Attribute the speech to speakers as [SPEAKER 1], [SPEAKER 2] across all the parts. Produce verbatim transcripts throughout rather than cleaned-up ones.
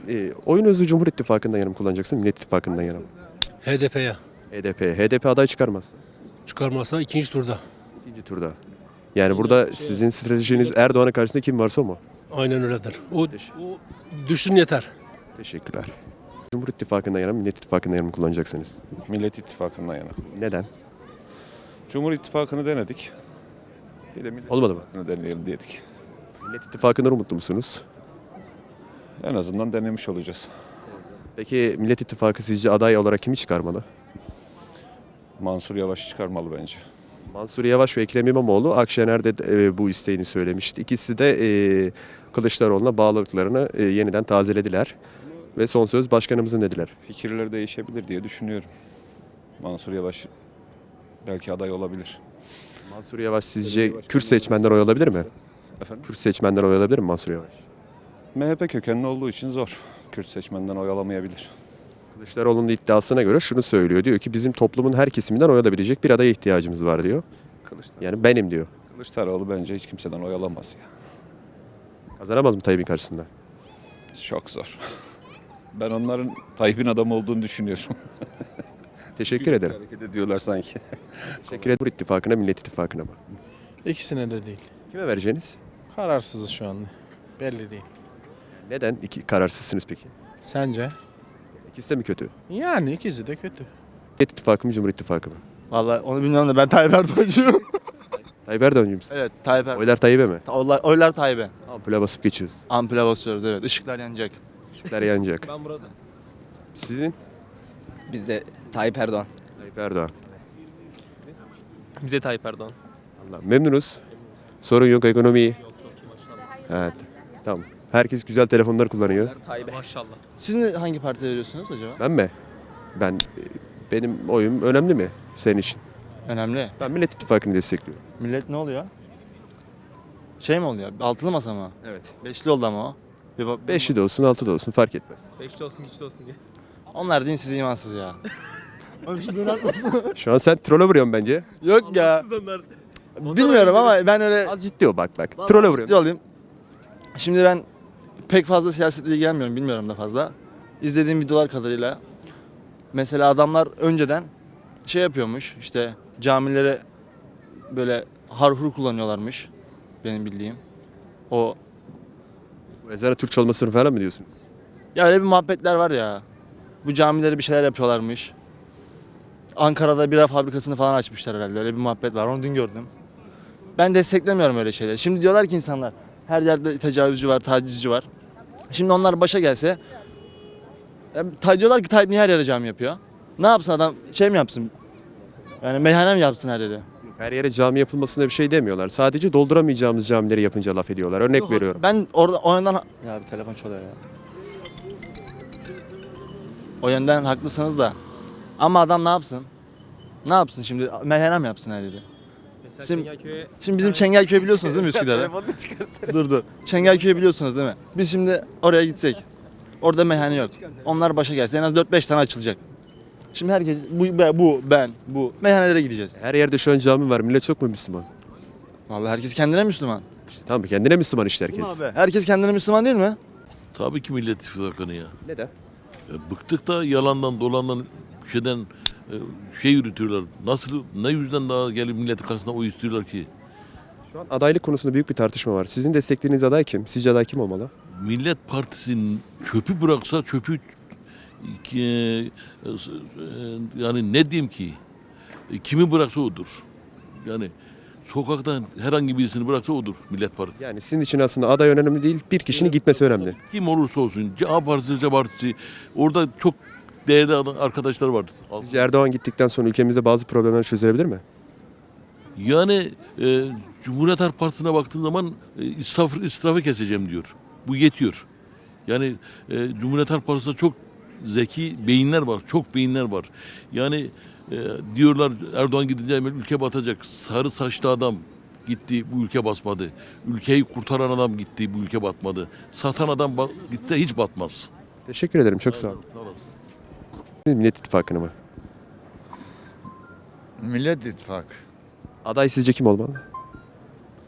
[SPEAKER 1] E, oyunuzu Cumhur İttifakı'ndan yana mı kullanacaksın, Millet İttifakı'ndan yana mı?
[SPEAKER 2] H D P'ye
[SPEAKER 1] H D P. H D P aday çıkarmaz.
[SPEAKER 2] çıkarmazsa ikinci turda.
[SPEAKER 1] İkinci turda. Yani burada sizin stratejiniz Erdoğan'ın karşısında kim varsa o mu?
[SPEAKER 2] Aynen öyledir. O, o düşsün yeter.
[SPEAKER 1] Teşekkürler. Cumhur İttifakı'ndan yana mı, Millet İttifakı'ndan yana mı kullanacaksınız?
[SPEAKER 3] Millet İttifakı'ndan yana.
[SPEAKER 1] Neden?
[SPEAKER 3] Cumhur İttifakı'nı denedik. Bir de Millet
[SPEAKER 1] Olmadı mı?
[SPEAKER 3] İttifakı'nı deneyelim dedik.
[SPEAKER 1] Millet İttifakı'ndan umutlu musunuz?
[SPEAKER 3] En azından denemiş olacağız.
[SPEAKER 1] Peki Millet İttifakı sizce aday olarak kimi çıkarmalı?
[SPEAKER 3] Mansur Yavaş çıkarmalı bence.
[SPEAKER 1] Mansur Yavaş ve Ekrem İmamoğlu Akşener'de de, e, bu isteğini söylemişti. İkisi de e, Kılıçdaroğlu'na bağlılıklarını e, yeniden tazelediler. Ve son söz başkanımızın dediler.
[SPEAKER 3] Fikirleri değişebilir diye düşünüyorum. Mansur Yavaş belki aday olabilir.
[SPEAKER 1] Mansur Yavaş sizce Kürt seçmenden oy alabilir mi?
[SPEAKER 3] Efendim?
[SPEAKER 1] Kürt seçmenden oy alabilir mi Mansur Yavaş?
[SPEAKER 3] M H P kökenli olduğu için zor. Kürt seçmenden oy alamayabilir.
[SPEAKER 1] Kılıçdaroğlu'nun iddiasına göre şunu söylüyor. Diyor ki bizim toplumun her kesiminden oy alabilecek bir adaya ihtiyacımız var diyor.
[SPEAKER 3] Kılıçdaroğlu,
[SPEAKER 1] Yani benim diyor.
[SPEAKER 3] Kılıçdaroğlu bence hiç kimseden oy alamaz ya.
[SPEAKER 1] Kazanamaz mı Tayyip'in karşısında?
[SPEAKER 3] Çok zor. Ben onların Tayyip'in adamı olduğunu düşünüyorum.
[SPEAKER 1] Teşekkür ederim.
[SPEAKER 3] Hareket ediyorlar sanki.
[SPEAKER 1] Teşekkür ederim. İttifakına, Millet İttifakına mı?
[SPEAKER 4] İkisine de değil.
[SPEAKER 1] Kime vereceğiniz?
[SPEAKER 4] Kararsızız şu anda. Belli değil.
[SPEAKER 1] Neden iki kararsızsınız peki?
[SPEAKER 4] Sence?
[SPEAKER 1] İkisi de mi kötü?
[SPEAKER 4] Yani ikisi de kötü.
[SPEAKER 1] Millet İttifakı mı, Cumhur İttifakı mı?
[SPEAKER 5] Vallahi onu bilmiyorum da ben Tayyip Erdoğan'cıyım.
[SPEAKER 1] Tayyip Erdoğan'cı mısın?
[SPEAKER 5] Evet Tayyip Erdoğan.
[SPEAKER 1] Oylar Tayyip'e mi?
[SPEAKER 5] Oylar, oylar Tayyip'e.
[SPEAKER 1] Ampule basıp geçiyoruz.
[SPEAKER 5] Ampule basıyoruz evet. Işıklar yanacak.
[SPEAKER 1] Işıklar yanacak.
[SPEAKER 2] Ben burada.
[SPEAKER 1] Sizin?
[SPEAKER 6] Biz de Tayyip Erdoğan.
[SPEAKER 1] Tayyip Erdoğan.
[SPEAKER 7] Bize Tayyip Erdoğan.
[SPEAKER 1] Allah memnunuz. Sorun yok, ekonomi iyi. Evet. Tamam. Herkes güzel telefonlar kullanıyor.
[SPEAKER 6] Tayyip.
[SPEAKER 7] Maşallah.
[SPEAKER 5] Siz ne- hangi partiye veriyorsunuz acaba?
[SPEAKER 1] Ben mi? Ben benim oyum önemli mi senin için?
[SPEAKER 5] Önemli.
[SPEAKER 1] Ben Millet İttifakı'nı destekliyorum.
[SPEAKER 5] Millet ne oluyor? Şey mi oluyor? Altılı masa mı?
[SPEAKER 1] Evet.
[SPEAKER 5] Beşli oldu ama o. Bir bak-
[SPEAKER 1] Beşli de olsun, altı da olsun fark etmez.
[SPEAKER 7] Beşli olsun, güçlü olsun diye.
[SPEAKER 5] Onlar dinsiz imansız ya.
[SPEAKER 1] Şu an sen troll'e vuruyorsun bence.
[SPEAKER 5] Yok ya.
[SPEAKER 7] Siz onlar.
[SPEAKER 5] Bilmiyorum ama ben öyle
[SPEAKER 1] Az ciddi ol bak bak. Troll'e
[SPEAKER 5] ciddi
[SPEAKER 1] vuruyorsun.
[SPEAKER 5] olayım. Şimdi ben pek fazla siyasetle ilgilenmiyorum. Bilmiyorum da fazla. İzlediğim videolar kadarıyla. Mesela adamlar önceden şey yapıyormuş. İşte camilere böyle harhur kullanıyorlarmış. Benim bildiğim. O
[SPEAKER 1] Bu ezanı Türkçe olmasını falan mı diyorsunuz?
[SPEAKER 5] ya öyle bir muhabbetler var ya. Bu camilere bir şeyler yapıyorlarmış. Ankara'da bira fabrikasını falan açmışlar herhalde. Öyle bir muhabbet var. Onu dün gördüm. Ben desteklemiyorum öyle şeyleri. Şimdi diyorlar ki insanlar her yerde tecavüzcü var, tacizci var. Şimdi onlar başa gelse ya, ta- diyorlar ki Tayyip niye her yere cami yapıyor? Ne yapsın adam? Şey mi yapsın? Yani meyhane mi yapsın her yere?
[SPEAKER 1] Her yere cami yapılmasına bir şey demiyorlar. Sadece dolduramayacağımız camileri yapınca laf ediyorlar. Örnek veriyorum.
[SPEAKER 5] Ben orada o yönden ya bir telefon çalıyor ya. O yönden haklısınız da. Ama adam ne yapsın? Ne yapsın şimdi? Meyhane mi yapsın her yeri?
[SPEAKER 7] Mesela
[SPEAKER 5] Şimdi-
[SPEAKER 7] Çengelköy'e
[SPEAKER 5] Şimdi bizim Çengelköy biliyorsunuz değil mi Üsküdar'ı? dur dur. Çengelköy'ü biliyorsunuz değil mi? Biz şimdi oraya gitsek. Orada meyhane yok. Onlar başa gelse en az dört beş tane açılacak. Şimdi herkes bu, bu ben bu meyhanelere gideceğiz.
[SPEAKER 1] Her yerde şu an cami var. Millet çok mu Müslüman?
[SPEAKER 5] Vallahi herkes kendine Müslüman.
[SPEAKER 1] İşte tamam kendine Müslüman işte
[SPEAKER 5] Değil mi
[SPEAKER 1] herkes.
[SPEAKER 5] abi? Herkes kendine Müslüman değil mi?
[SPEAKER 8] Tabii ki Millet İttifakı'nı ya.
[SPEAKER 1] Neden?
[SPEAKER 8] Ya bıktık da yalandan dolandan şeyden e, şey yürütüyorlar. Nasıl ne yüzden daha gelip milletin karşısına oy istiyorlar ki?
[SPEAKER 1] Şu an adaylık konusunda büyük bir tartışma var. Sizin desteklediğiniz aday kim? Sizce aday kim olmalı?
[SPEAKER 8] Millet Partisi'nin çöpü bıraksa çöpü ki, e, e, yani ne diyeyim ki? E, kimi bıraksa odur. Yani sokaktan herhangi birisini bıraksa odur Millet Partisi.
[SPEAKER 1] Yani sizin için aslında aday önemli değil, bir kişinin gitmesi önemli.
[SPEAKER 8] Kim olursa olsun, A Partisi, C Partisi, orada çok değerli adam- arkadaşlar var.
[SPEAKER 1] Sizce Erdoğan gittikten sonra ülkemizde bazı problemler çözülebilir mi?
[SPEAKER 8] Yani e, Cumhuriyet Halk Partisi'ne baktığın zaman e, israf, israfı keseceğim diyor. Bu yetiyor. Yani e, Cumhuriyet Halk Partisi'nde çok zeki beyinler var, çok beyinler var. Yani e, diyorlar Erdoğan gidince hemen ülke batacak. Sarı saçlı adam gitti, bu ülke basmadı. Ülkeyi kurtaran adam gitti, bu ülke batmadı. Satan adam ba- gitse hiç batmaz.
[SPEAKER 1] Teşekkür ederim, çok sağ olun.
[SPEAKER 8] Sağ olasın.
[SPEAKER 1] Millet İttifakı'nı mı?
[SPEAKER 9] Millet İttifakı.
[SPEAKER 1] Aday sizce kim olmalı?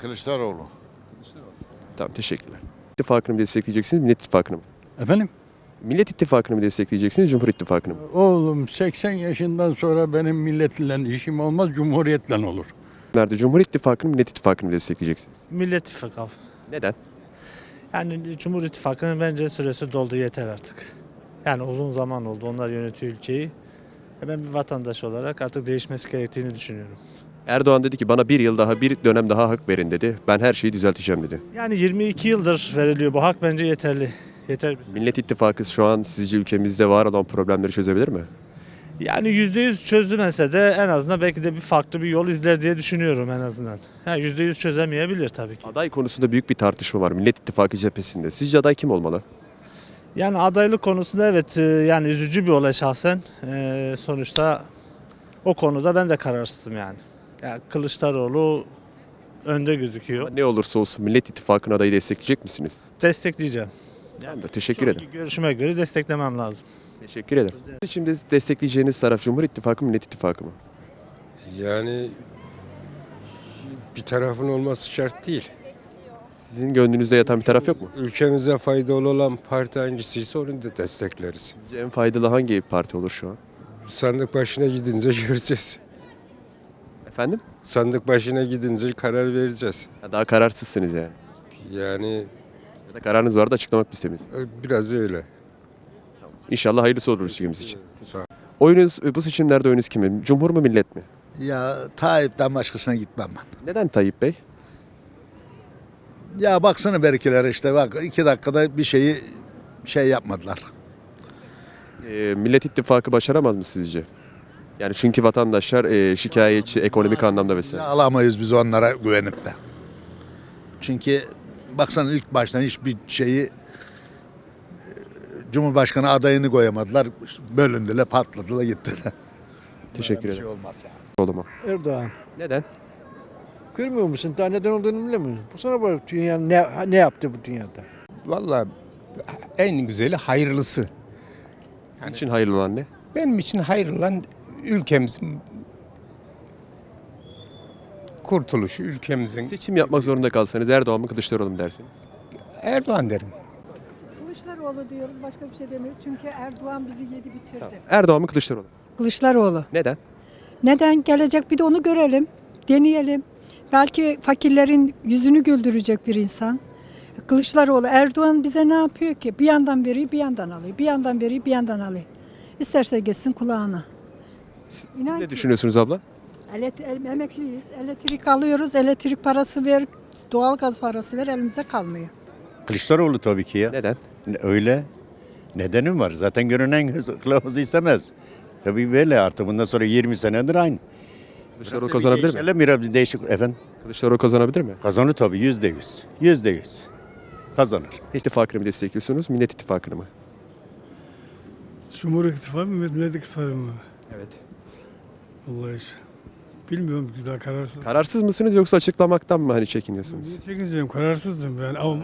[SPEAKER 9] Kılıçdaroğlu.
[SPEAKER 1] Tamam, teşekkürler. İttifakını mı destekleyeceksiniz, Millet İttifakı'nı mı?
[SPEAKER 10] Efendim?
[SPEAKER 1] Millet İttifakı'nı mı destekleyeceksiniz, Cumhur İttifakı'nı mı?
[SPEAKER 9] Oğlum seksen yaşından sonra benim milletle işim olmaz, cumhuriyetle olur.
[SPEAKER 1] Nerede Cumhur İttifakı'nı mı, Millet İttifakı'nı mı destekleyeceksiniz?
[SPEAKER 10] Millet İttifakı.
[SPEAKER 1] Neden?
[SPEAKER 10] Yani Cumhur İttifakı'nın bence süresi doldu, yeter artık. Yani uzun zaman oldu, onlar yönetiyor ülkeyi. E Ben bir vatandaş olarak artık değişmesi gerektiğini düşünüyorum.
[SPEAKER 1] Erdoğan dedi ki bana bir yıl daha, bir dönem daha hak verin dedi. Ben her şeyi düzelteceğim dedi.
[SPEAKER 10] Yani yirmi iki yıldır veriliyor bu hak, bence yeterli. Yeter.
[SPEAKER 1] Millet İttifakı şu an sizce ülkemizde var olan problemleri çözebilir mi?
[SPEAKER 10] Yani yüzde yüz çözülmese de en azından belki de bir farklı bir yol izler diye düşünüyorum en azından. Ha, yüzde yüz çözemeyebilir tabii ki.
[SPEAKER 1] Aday konusunda büyük bir tartışma var Millet İttifakı cephesinde. Sizce aday kim olmalı?
[SPEAKER 10] Yani adaylık konusunda evet, e, yani üzücü bir olay şahsen. E, sonuçta o konuda ben de kararsızım yani. Yani Kılıçdaroğlu önde gözüküyor.
[SPEAKER 1] Ne olursa olsun Millet İttifakı'nın adayı destekleyecek misiniz?
[SPEAKER 10] Destekleyeceğim.
[SPEAKER 1] Yani teşekkür ederim.
[SPEAKER 10] Sonraki görüşüme göre desteklemem lazım.
[SPEAKER 1] Teşekkür ederim. Şimdi destekleyeceğiniz taraf Cumhur İttifakı mı, Millet İttifakı mı?
[SPEAKER 11] Yani bir tarafın olması şart değil.
[SPEAKER 1] Sizin gönlünüzde yatan bir taraf yok mu?
[SPEAKER 11] Ülkemize faydalı olan parti hangisiyse onu da destekleriz.
[SPEAKER 1] Sizce en faydalı hangi parti olur şu an?
[SPEAKER 11] Sandık başına gidince göreceğiz.
[SPEAKER 1] Efendim?
[SPEAKER 11] Sandık başına gidince karar vereceğiz.
[SPEAKER 1] Ha, daha kararsızsınız yani.
[SPEAKER 11] Yani
[SPEAKER 1] Ya da kararınız vardı, açıklamak mı istemiyorsunuz?
[SPEAKER 11] e, biraz öyle.
[SPEAKER 1] İnşallah hayırlısı olur ülkemiz için.
[SPEAKER 11] Sağ ol.
[SPEAKER 1] Oyunuz, bu seçimlerde oyunuz kime? Cumhur mu, Millet mi?
[SPEAKER 12] Ya Tayyip'ten başkasına gitmem ben.
[SPEAKER 1] Neden Tayyip Bey?
[SPEAKER 12] Ya baksana berkelere işte bak iki dakikada bir şeyi şey yapmadılar.
[SPEAKER 1] Ee, Millet İttifakı başaramaz mı sizce? Yani çünkü vatandaşlar e, şikayetçi ekonomik anlamda
[SPEAKER 12] Ya
[SPEAKER 1] mesela.
[SPEAKER 12] alamayız biz onlara güvenip de. Çünkü baksana ilk baştan hiçbir şeyi e, Cumhurbaşkanı adayını koyamadılar. Bölündüler, patladılar, gittiler.
[SPEAKER 1] Teşekkür
[SPEAKER 12] Bir
[SPEAKER 1] ederim.
[SPEAKER 12] şey olmaz yani.
[SPEAKER 1] Oğluma.
[SPEAKER 9] Erdoğan,
[SPEAKER 1] Neden?
[SPEAKER 9] görmüyor musun? Daha neden olduğunu bilmiyor musun? Bu sana bak dünya ne, ne yaptı bu dünyada?
[SPEAKER 13] Vallahi en güzeli hayırlısı.
[SPEAKER 1] Sizin için hayırlı olan ne?
[SPEAKER 13] Benim için hayırlı olan ülkemizin kurtuluşu, ülkemizin.
[SPEAKER 1] Seçim yapmak zorunda kalsanız Erdoğan mı, Kılıçdaroğlu mu dersiniz?
[SPEAKER 13] Erdoğan derim.
[SPEAKER 14] Kılıçdaroğlu diyoruz, başka bir şey demiyoruz. Çünkü Erdoğan bizi yedi bitirdi.
[SPEAKER 1] Tamam. Erdoğan mı, Kılıçdaroğlu mu?
[SPEAKER 14] Kılıçdaroğlu.
[SPEAKER 1] Neden?
[SPEAKER 14] Neden gelecek, bir de onu görelim, deneyelim. Belki fakirlerin yüzünü güldürecek bir insan. Kılıçdaroğlu, Erdoğan bize ne yapıyor ki? Bir yandan veriyor, bir yandan alıyor. Bir yandan veriyor, bir yandan alıyor. İsterse geçsin kulağına. İnan
[SPEAKER 1] Ne
[SPEAKER 14] ki,
[SPEAKER 1] düşünüyorsunuz abla?
[SPEAKER 14] elet- el- emekliyiz, elektrik alıyoruz, elektrik parası ver, doğalgaz parası ver, elimize kalmıyor.
[SPEAKER 15] Kılıçdaroğlu tabii ki ya.
[SPEAKER 1] Neden?
[SPEAKER 15] Öyle. Nedenim var. Zaten görünen göz kılavuzu istemez. Tabii böyle artık bundan sonra yirmi senedir aynı.
[SPEAKER 1] Kılıçdaroğlu kazanabilir mi?
[SPEAKER 15] Değişelim, biraz değişik efendim.
[SPEAKER 1] Kılıçdaroğlu kazanabilir mi?
[SPEAKER 15] Kazanır tabii yüzde yüz. Yüzde yüz. Kazanır.
[SPEAKER 1] İttifakını mı destekliyorsunuz, Millet İttifakı'nı mı?
[SPEAKER 9] Cumhur İttifakı mı, Millet İttifakı mı?
[SPEAKER 1] Evet.
[SPEAKER 9] Vallahi bilmiyorum ki daha kararsız.
[SPEAKER 1] Kararsız mısınız yoksa açıklamaktan mı hani çekiniyorsunuz?
[SPEAKER 9] Çekeceğim, kararsızdım ben ama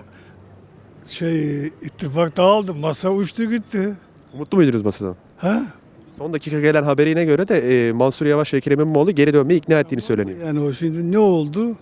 [SPEAKER 9] şey ittifak dağıldı, masa uçtu gitti.
[SPEAKER 1] Mutlu muydunuz masadan?
[SPEAKER 9] Ha?
[SPEAKER 1] Son dakika gelen haberine göre de e, Mansur Yavaş ve Ekrem İmamoğlu geri dönmeyi ikna ettiğini söyleniyor.
[SPEAKER 9] Yani o şimdi ne oldu?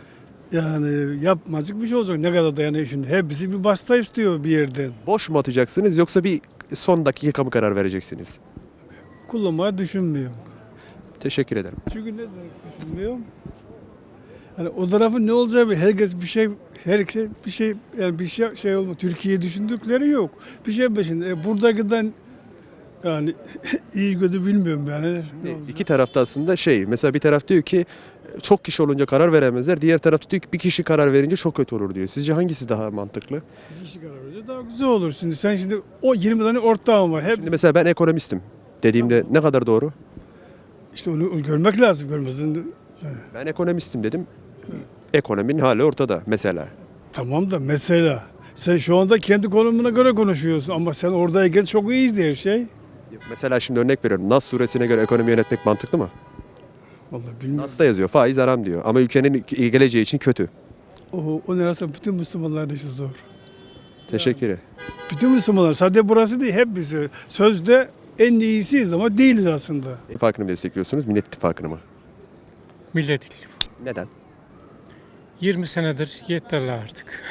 [SPEAKER 9] Yani yapmacık bir şey olacak. Ne kadar da yani şimdi hepsi bir basta istiyor bir yerden.
[SPEAKER 1] Boş mu atacaksınız yoksa bir son dakika mı karar vereceksiniz?
[SPEAKER 9] Kullanmayı düşünmüyorum.
[SPEAKER 1] Teşekkür ederim.
[SPEAKER 9] Çünkü ne düşünmüyorum? Hani o tarafın ne olacağı bir herkes bir şey her şey bir şey yani bir şey şey olma. Türkiye düşündükleri yok. Bir şey peşinde. E, buradakinden yani iyi kötü bilmiyorum yani. Ne
[SPEAKER 1] E,
[SPEAKER 9] olacak?
[SPEAKER 1] İki tarafta aslında şey, mesela bir taraf diyor ki çok kişi olunca karar veremezler. Diğer tarafta diyor ki bir kişi karar verince çok kötü olur diyor. Sizce hangisi daha mantıklı?
[SPEAKER 9] Bir kişi karar verecek daha güzel olur. Şimdi sen şimdi o yirmi tane ortağın var. Hep
[SPEAKER 1] Şimdi mesela ben ekonomistim dediğimde ne kadar doğru?
[SPEAKER 9] işte onu görmek lazım. Görmesin.
[SPEAKER 1] Ben ekonomistim dedim. Ekonominin hali ortada mesela.
[SPEAKER 9] Tamam da mesela sen şu anda kendi konumuna göre konuşuyorsun ama sen oradayken çok iyiydi her şey.
[SPEAKER 1] Mesela şimdi örnek veriyorum. Nas suresine göre ekonomi yönetmek mantıklı mı?
[SPEAKER 9] Vallahi bilmiyorum.
[SPEAKER 1] Nas'ta yazıyor faiz haram diyor. Ama ülkenin geleceği için kötü.
[SPEAKER 9] O, o neresi bütün Müslümanların işi zor.
[SPEAKER 1] Teşekkür ederim.
[SPEAKER 9] Bütün Müslümanlar sadece burası değil hep bizi. Sözde en iyisiyiz ama değiliz aslında.
[SPEAKER 1] İttifakını mı destekliyorsunuz, Millet İttifakı'nı mı?
[SPEAKER 2] Millet
[SPEAKER 1] Neden?
[SPEAKER 2] yirmi senedir yeterli artık.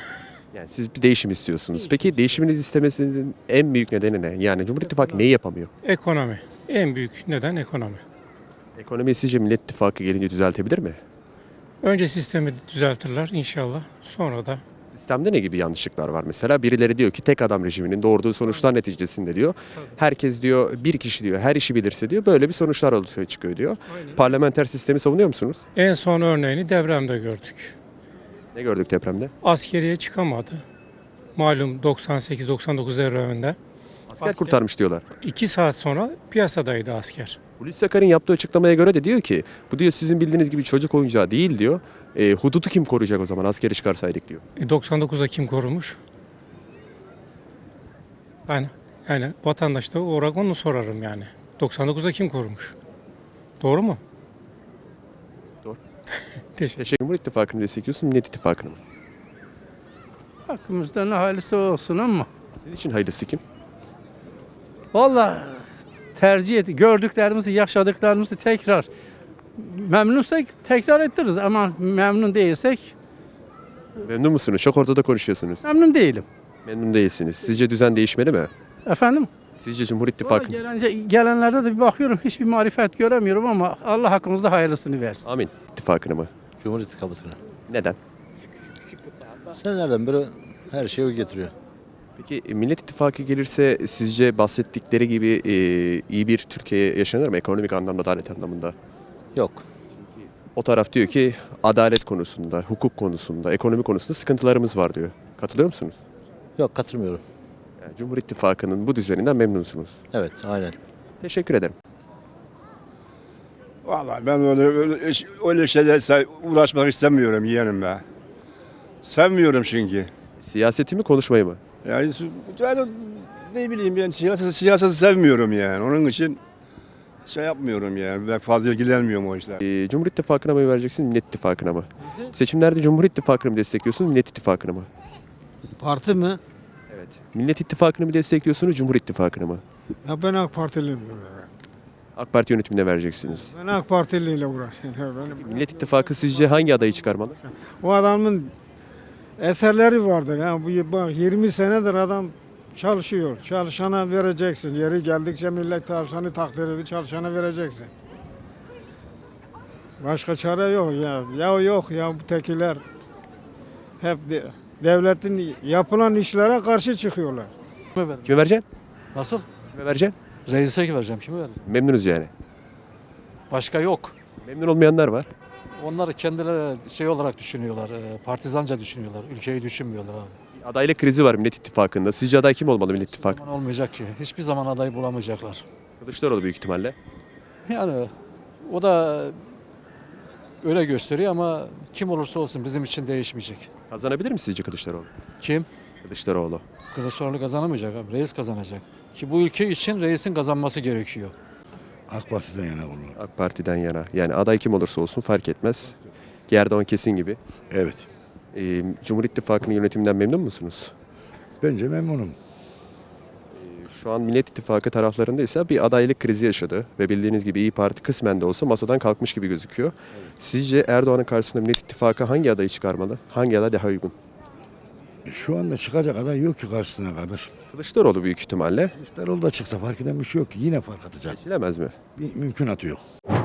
[SPEAKER 1] Yani siz bir değişim istiyorsunuz. Peki değişiminiz istemesinin en büyük nedeni ne? Yani Cumhur İttifakı neyi yapamıyor?
[SPEAKER 2] Ekonomi. En büyük neden ekonomi.
[SPEAKER 1] Ekonomiyi sizce Millet İttifakı gelince düzeltebilir mi?
[SPEAKER 2] Önce sistemi düzeltirler inşallah. Sonra da
[SPEAKER 1] Sistemde ne gibi yanlışlıklar var mesela? Birileri diyor ki tek adam rejiminin doğurduğu sonuçlar neticesinde diyor. Herkes diyor bir kişi diyor her işi bilirse diyor böyle bir sonuçlar ortaya çıkıyor diyor. Parlamenter sistemi savunuyor musunuz?
[SPEAKER 2] en son örneğini depremde gördük.
[SPEAKER 1] Ne gördük depremde?
[SPEAKER 2] Askeriye çıkamadı. Malum doksan sekiz doksan dokuz depreminde.
[SPEAKER 1] Asker kurtarmış diyorlar.
[SPEAKER 2] iki saat sonra piyasadaydı asker.
[SPEAKER 1] Hulusi Akar'ın yaptığı açıklamaya göre de diyor ki bu diyor sizin bildiğiniz gibi çocuk oyuncağı değil diyor. E, hududu kim koruyacak o zaman askeri çıkarsaydık diyor.
[SPEAKER 2] E, doksan dokuzda kim korumuş? Ben yani vatandaş da olarak onu sorarım yani. doksan dokuzda kim korumuş? Doğru mu?
[SPEAKER 1] Doğru.
[SPEAKER 2] Teşekkür.
[SPEAKER 1] Teşekkür. Cumhur İttifakı'nı destekliyorsun, Millet İttifakı'nı mı?
[SPEAKER 9] Hakkımızda ne hayırlısı olsun ama.
[SPEAKER 1] Sizin için hayırlısı kim?
[SPEAKER 9] Vallahi tercih et. Gördüklerimizi, yaşadıklarımızı tekrar memnunsak tekrar ettiririz ama memnun değilsek
[SPEAKER 1] Memnun musunuz? Çok ortada konuşuyorsunuz.
[SPEAKER 9] memnun değilim.
[SPEAKER 1] Memnun değilsiniz. Sizce düzen değişmeli mi?
[SPEAKER 9] Efendim?
[SPEAKER 1] Sizce Cumhur
[SPEAKER 9] Vallahi
[SPEAKER 1] İttifakı...
[SPEAKER 9] gelince, gelenlerde de bir bakıyorum hiçbir marifet göremiyorum ama Allah hakkımızda hayırlısını versin.
[SPEAKER 1] Amin. İttifakını mı?
[SPEAKER 11] Cumhur İttifakı'na.
[SPEAKER 1] Neden?
[SPEAKER 11] Senelerden beri her şeyi o getiriyor.
[SPEAKER 1] Peki e, Millet İttifakı gelirse sizce bahsettikleri gibi e, iyi bir Türkiye yaşanır mı? Ekonomik anlamda, adalet anlamında.
[SPEAKER 11] Yok.
[SPEAKER 1] O taraf diyor ki adalet konusunda, hukuk konusunda, ekonomi konusunda sıkıntılarımız var diyor. Katılıyor musunuz?
[SPEAKER 11] Yok katılmıyorum.
[SPEAKER 1] Yani Cumhur İttifakı'nın bu düzeninden memnunsunuz.
[SPEAKER 11] Evet aynen.
[SPEAKER 1] Teşekkür ederim.
[SPEAKER 12] Vallahi ben öyle, öyle, öyle şeylerle uğraşmak istemiyorum yeğenim be. Sevmiyorum çünkü.
[SPEAKER 1] Siyaseti mi konuşmayı mı?
[SPEAKER 12] Yani ben ne bileyim ben siyaseti, siyaseti sevmiyorum yani. Onun için şey yapmıyorum yani. Ben fazla ilgilenmiyorum o işler.
[SPEAKER 1] E, Cumhur İttifakı'na mı vereceksin, Millet İttifakı'na mı? Seçimlerde Cumhur İttifakı'nı mı destekliyorsun, Millet İttifakı'nı mı?
[SPEAKER 9] Parti mi?
[SPEAKER 1] Evet. Millet İttifakı'nı mı destekliyorsunuz, Cumhur İttifakı'nı mı?
[SPEAKER 9] Ya ben AK Partiliyim.
[SPEAKER 1] AK Parti yönetimine vereceksiniz.
[SPEAKER 9] Ben AK Partiliyle uğraşıyorum.
[SPEAKER 1] Millet İttifakı sizce hangi adayı çıkarmalı?
[SPEAKER 9] O adamın eserleri vardır. Yani bu bak yirmi senedir adam çalışıyor. Çalışana vereceksin. Yeri geldikçe millet çalışanı takdir ediyor. Çalışana vereceksin. Başka çare yok ya. Ya yok ya bu tekiler hep de, devletin yapılan işlere karşı çıkıyorlar.
[SPEAKER 1] Kime vereceksin?
[SPEAKER 2] Nasıl?
[SPEAKER 1] Kime vereceksin?
[SPEAKER 2] Reis'e vereceğim. Kime vereceğim?
[SPEAKER 1] Memnunuz yani.
[SPEAKER 2] Başka yok.
[SPEAKER 1] Memnun olmayanlar var.
[SPEAKER 2] Onlar kendileri şey olarak düşünüyorlar. Partizanca düşünüyorlar. Ülkeyi düşünmüyorlar abi.
[SPEAKER 1] Adaylık krizi var Millet İttifakı'nda. Sizce aday kim olmalı Millet İttifakı?
[SPEAKER 2] Zaman olmayacak ki. Hiçbir zaman aday bulamayacaklar.
[SPEAKER 1] Kılıçdaroğlu büyük ihtimalle.
[SPEAKER 2] Yani o da öyle gösteriyor ama kim olursa olsun bizim için değişmeyecek.
[SPEAKER 1] Kazanabilir mi sizce Kılıçdaroğlu?
[SPEAKER 2] Kim?
[SPEAKER 1] Kılıçdaroğlu.
[SPEAKER 2] Kılıçdaroğlu kazanamayacak abi. Reis kazanacak. Ki bu ülke için reisin kazanması gerekiyor.
[SPEAKER 12] AK Parti'den yana bunu.
[SPEAKER 1] AK Parti'den yana. Yani aday kim olursa olsun fark etmez. Erdoğan kesin gibi.
[SPEAKER 12] Evet.
[SPEAKER 1] Ee, Cumhur İttifakı'nın yönetiminden memnun musunuz?
[SPEAKER 12] Bence memnunum.
[SPEAKER 1] Şu an Millet İttifakı taraflarında ise bir adaylık krizi yaşadı. Ve bildiğiniz gibi İYİ Parti kısmen de olsa masadan kalkmış gibi gözüküyor. Sizce Erdoğan'ın karşısında Millet İttifakı hangi adayı çıkarmalı? Hangi aday daha uygun?
[SPEAKER 12] Şu anda çıkacak aday yok ki karşısına kardeşim.
[SPEAKER 1] Kılıçdaroğlu büyük ihtimalle.
[SPEAKER 12] Kılıçdaroğlu da çıksa fark eden bir şey yok ki. Yine fark atacak.
[SPEAKER 1] Seçilemez mi?
[SPEAKER 12] Bir mümkünatı yok.